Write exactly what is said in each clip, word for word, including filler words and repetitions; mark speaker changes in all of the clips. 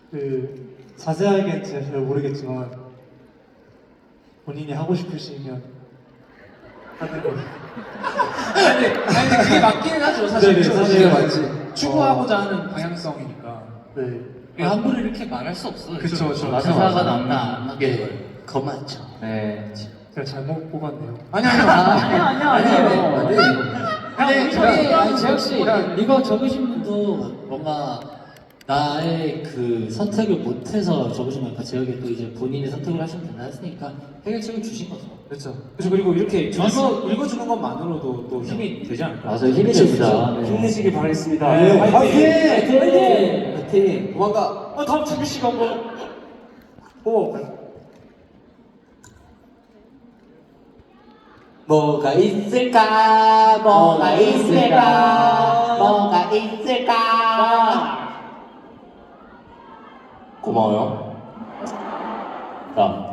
Speaker 1: 그 자세하게는 제가 잘 모르겠지만 본인이 하고 싶으시면 하는 거.
Speaker 2: 아니, 아니 근데 그게 맞기는 하죠 사실.
Speaker 1: 네네, 사실 맞지.
Speaker 2: 추구하고자 하는 방향성이니까.
Speaker 1: 네.
Speaker 3: 함부로 이렇게 말할 수 없어요.
Speaker 2: 그쵸, 그쵸.
Speaker 3: 맞아, 가사가 남나 안 나게 그거 맞죠.
Speaker 4: 네.
Speaker 1: 제가 잘못 뽑았네요.
Speaker 2: 아니 아니 아니 아니 아니
Speaker 3: 근데 저희 아니 재혁 씨 이거 적으신 분도 뭔가 나의 그 선택을 못해서 적으신 거니까 재혁이 또 이제 본인이 선택을 하시면 된다 했으니까 해결책을 주신 거죠.
Speaker 2: 그렇죠. 그렇죠. 그리고 이렇게 읽어 읽어주는 것만으로도 또 힘이 되지 않을까?
Speaker 4: 맞아요. 힘이 됩니다. 네.
Speaker 1: 힘내시길 바라겠습니다.
Speaker 4: 네,
Speaker 1: 화이팅!
Speaker 4: 화이팅!
Speaker 1: 화이팅!
Speaker 4: 화이팅!
Speaker 2: 도망가.
Speaker 1: 아, 다음 준비 씨가 한번 뽑아볼까요?
Speaker 4: 뭐가 있을까? 뭐가 있을까? 뭐가 있을까? 고마워요. 자,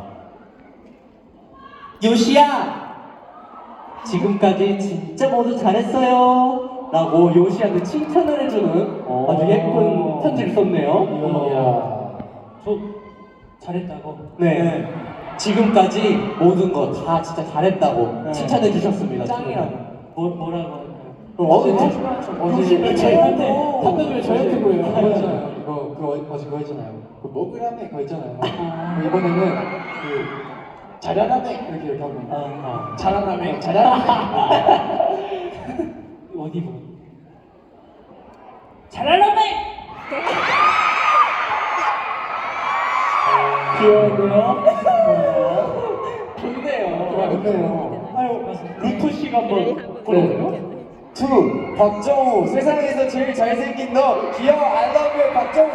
Speaker 4: 요시야! 지금까지 진짜 모두 잘했어요. 라고 요시한테 칭찬을 해주는 아주 예쁜 편지를 썼네요.
Speaker 1: 저 잘했다고?
Speaker 4: 네. 지금까지 모든 거 다 진짜 잘했다고
Speaker 1: 네.
Speaker 4: 칭찬해 주셨습니다.
Speaker 1: 짱이라고. 뭐, 뭐라고 할까요?
Speaker 4: 그럼 어제
Speaker 1: 어제 저희한테 답변을 저희한테 보여요.
Speaker 5: 그거 있잖아요. 이거 그거 어제 그거 있잖아요. 그 먹으라며 그거 있잖아요. 그 이번에는 그 잘하라며 이렇게 이렇게 하고
Speaker 1: 아,
Speaker 5: 잘하라며 잘하라며
Speaker 1: 어디 보고?
Speaker 5: 잘하라며
Speaker 4: 귀여운데요?
Speaker 5: 좋네요. 좋네요.
Speaker 4: 아유, 루토 씨가 한번 보여줘요?
Speaker 5: 투 박정우 세상에서 제일 잘생긴 너 귀여워 I love you 박정우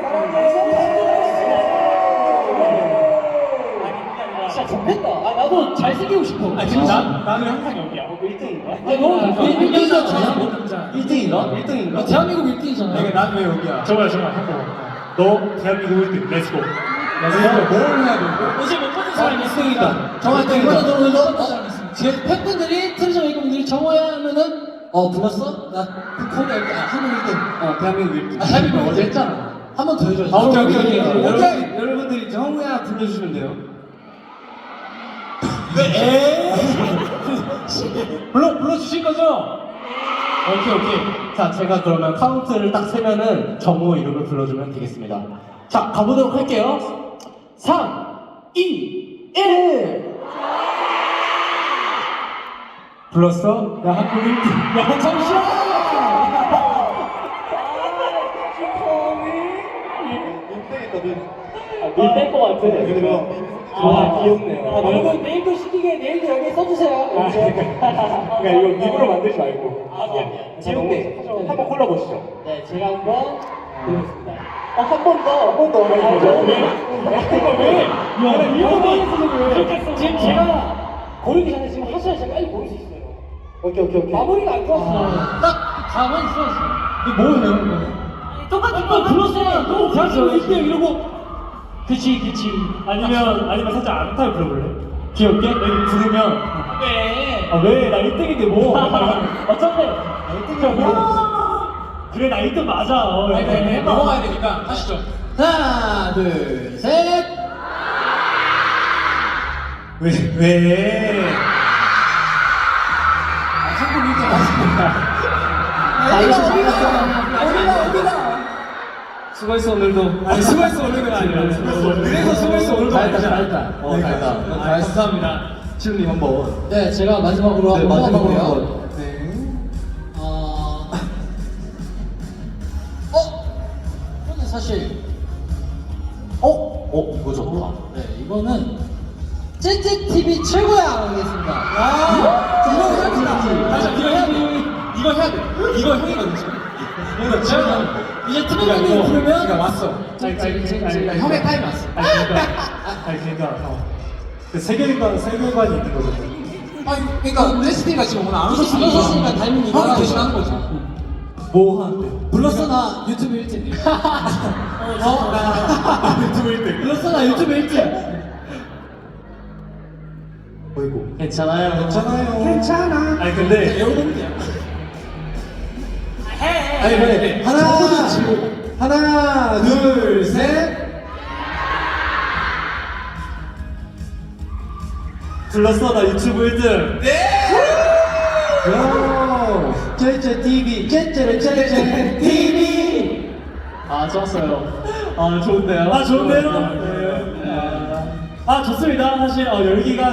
Speaker 5: 사랑해.
Speaker 4: 진짜 좋겠다. 아, 나도 잘생기고 싶어.
Speaker 1: 아, 진짜? 나는 항상 여기야.
Speaker 4: 일등인가?
Speaker 1: 아, 너무
Speaker 4: 일 등이잖아.
Speaker 1: 일등인가?
Speaker 4: 일등인가?
Speaker 1: 대한민국 일등이잖아. 내가 난왜 여기야? 정말 정말 한 번. 너 대한민국 일등. 렛츠고. 렛츠고. 뭘 해야 돼?
Speaker 3: 어제 못 받은 사람이
Speaker 1: 일등이다.
Speaker 3: 정확히
Speaker 1: 일등이다.
Speaker 3: 이번에 너무 지금 팬분들이 트레저 웨이커분들이 정호야 하면은 어 불렀어? 나 코리아 일등, 아 한국 일등.
Speaker 1: 어, 대한민국 일등.
Speaker 3: 아 대한민국 어제 했잖아. 한 번 더 해줘야지.
Speaker 1: 아, 오케이, 오케이, 오케이.
Speaker 3: 오케이.
Speaker 1: 여러분, 여러분들이 정우야 불러주시면 돼요.
Speaker 3: 네.
Speaker 1: 불러, 불러주실 거죠? 오케이, 오케이.
Speaker 4: 자, 제가 그러면 카운트를 딱 세면은 정우 이름을 불러주면 되겠습니다. 자, 가보도록 할게요. 삼, 이, 일!
Speaker 1: 불렀어? 야, 한국 일등. 야, 잠시만!
Speaker 4: 밀뺄것 같아. 아, 귀엽네요.
Speaker 5: 아, 여러분 내일도 시키게 내일도 여기 써주세요.
Speaker 4: 그러니까 이거 입으로 만들지 말고.
Speaker 5: 아 미안 미안.
Speaker 4: 지웅님, 한번 골라보시죠.
Speaker 5: 네 제가 한번 보겠습니다.
Speaker 4: 어, 한 번 더. 한 번 더. 왜?
Speaker 5: 왜? 야 이거 지금 제가 고르기 전에 지금 하셔야 제가 빨리 고를 수 있어요.
Speaker 4: 오케이, 오케이, 오케이.
Speaker 5: 마무리가 안 좋았어.
Speaker 3: 딱 가만히 있어.
Speaker 1: 이거 뭐예요?
Speaker 5: 똑같은 거 불렀어. 너 대한민국 일 등 이러고.
Speaker 1: 그치, 그치. 아니면, 아니면 살짝 안타를 불러볼래? 귀엽게? 여기 부르면.
Speaker 5: 왜?
Speaker 1: 아, 왜? 나 일 등인데 뭐?
Speaker 5: 어쩐데?
Speaker 1: 나 일 등이야. 그래, 나 일 등 맞아. 어,
Speaker 2: 아니, 아니, 아니, 넘어가야 되니까 하시죠.
Speaker 3: 하나 둘 셋.
Speaker 1: 왜, 왜?
Speaker 2: 한국 일등 하십니다.
Speaker 5: 어디가 어디가?
Speaker 1: 수고했어, 오늘도.
Speaker 2: 아니 수고했어 오늘은 아니라. 그래서 수고했어 오늘도
Speaker 4: 잘했다,
Speaker 2: 아니잖아.
Speaker 4: 잘했다. 어, 잘했다.
Speaker 1: 아, 감사합니다.
Speaker 4: 지웅님 한 번.
Speaker 3: 네 제가 마지막으로
Speaker 4: 네,
Speaker 3: 한번
Speaker 4: 마지막으로
Speaker 3: 뽑아볼게요.
Speaker 4: 한 번.
Speaker 1: 네.
Speaker 3: 어. 어. 이거는 사실.
Speaker 4: 어? 어, 이거 좋다.
Speaker 3: 네 이거는 찌찌티비 최고야 하겠습니다.
Speaker 2: 아 이거 해야 돼. 맞아 이거 해야 돼. 이거 해야 돼. 이거 형이거든 지금. 이거 지금
Speaker 3: 이제
Speaker 2: 그러니까
Speaker 3: 트레저님
Speaker 2: 이거
Speaker 3: 부르면
Speaker 2: 그러니까 왔어.
Speaker 1: 아니, 아니, 아니,
Speaker 2: 그러니까 형의 타임 왔어.
Speaker 1: 아니, 그러니까, 아니, 그러니까, 어. 그 세계관, 세계관이 있는 거잖아.
Speaker 2: 아니 그러니까 레시피가 지금 오늘 안 오셨으니까
Speaker 3: 오셨으니까 타이밍이
Speaker 2: 형이 대신하는 거지.
Speaker 1: 뭐 하는데?
Speaker 3: 불렀어 나 유튜브 일 등. 어? 나
Speaker 1: 유튜브 일 등.
Speaker 3: 불렀어 나 유튜브 일 등.
Speaker 1: 어이구.
Speaker 4: 괜찮아요.
Speaker 1: 괜찮아요.
Speaker 5: 괜찮아.
Speaker 1: 아니, 근데.
Speaker 2: 여러분이야.
Speaker 1: 아니, 그래. 하나, 하나, 둘, 셋. 불렀어 나 유튜브 일 등.
Speaker 5: 요 쟤쟤 티비 쟤쟤 쟤쟤 티비.
Speaker 2: 아 좋았어요. 아 좋은데요?
Speaker 1: 아 좋은데요? 네. 아 좋습니다. 사실 어, 열기가